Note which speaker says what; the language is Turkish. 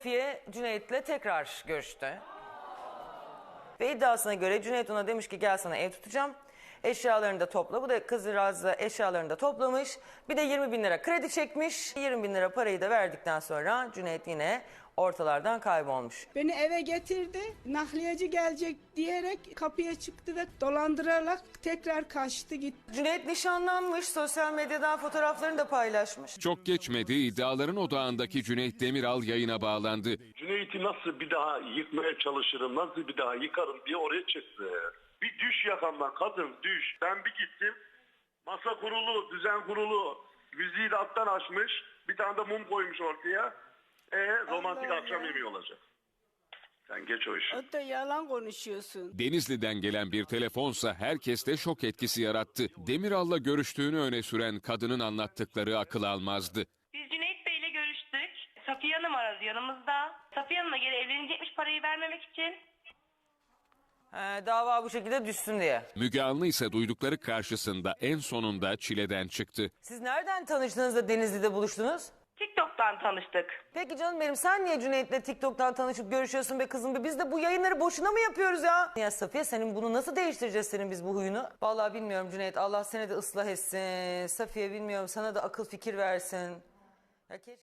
Speaker 1: Safiye Cüneyt'le tekrar görüştü. Ve iddiasına göre Cüneyt ona demiş ki gel sana ev tutacağım. Eşyalarını da topla. Bu da kızcağız da eşyalarını da toplamış. Bir de 20 bin lira kredi çekmiş. 20 bin lira parayı da verdikten sonra Cüneyt yine ortalardan kaybolmuş.
Speaker 2: Beni eve getirdi. Nakliyeci gelecek diyerek kapıya çıktı ve dolandırarak tekrar kaçtı gitti.
Speaker 1: Cüneyt nişanlanmış. Sosyal medyadan fotoğraflarını da paylaşmış.
Speaker 3: Çok geçmedi, iddiaların odağındaki Cüneyt Demiral yayına bağlandı.
Speaker 4: Cüneyt'i nasıl bir daha yıkmaya çalışırım, nasıl bir daha yıkarım diye oraya çıktı. Bir düş yakamdan kadın düş. Ben bir gittim, masa kurulu, düzen kurulu, müziği de alttan açmış, bir tane de mum koymuş ortaya. Romantik
Speaker 2: Allah
Speaker 4: akşam
Speaker 2: Allah.
Speaker 4: yemeği olacak. Sen geç o işi.
Speaker 2: O da yalan konuşuyorsun.
Speaker 3: Denizli'den gelen bir telefonsa herkeste şok etkisi yarattı. Demiral'la görüştüğünü öne süren kadının anlattıkları akıl almazdı.
Speaker 5: Biz Cüneyt Bey'le görüştük. Safiye Hanım aradı yanımızda. Safiye Hanım'la geri evlenecekmiş parayı vermemek için.
Speaker 1: Dava bu şekilde düşsün diye.
Speaker 3: Müge Anlı ise duydukları karşısında en sonunda çileden çıktı.
Speaker 1: Siz nereden tanıştınız da Denizli'de buluştunuz?
Speaker 5: TikTok'tan tanıştık.
Speaker 1: Peki canım benim sen niye Cüneyt'le TikTok'tan tanışıp görüşüyorsun be kızım be? Biz de bu yayınları boşuna mı yapıyoruz ya? Ya Safiye senin bunu nasıl değiştireceğiz senin biz bu huyunu? Vallahi bilmiyorum Cüneyt, Allah seni de ıslah etsin. Safiye bilmiyorum, sana da akıl fikir versin. Ya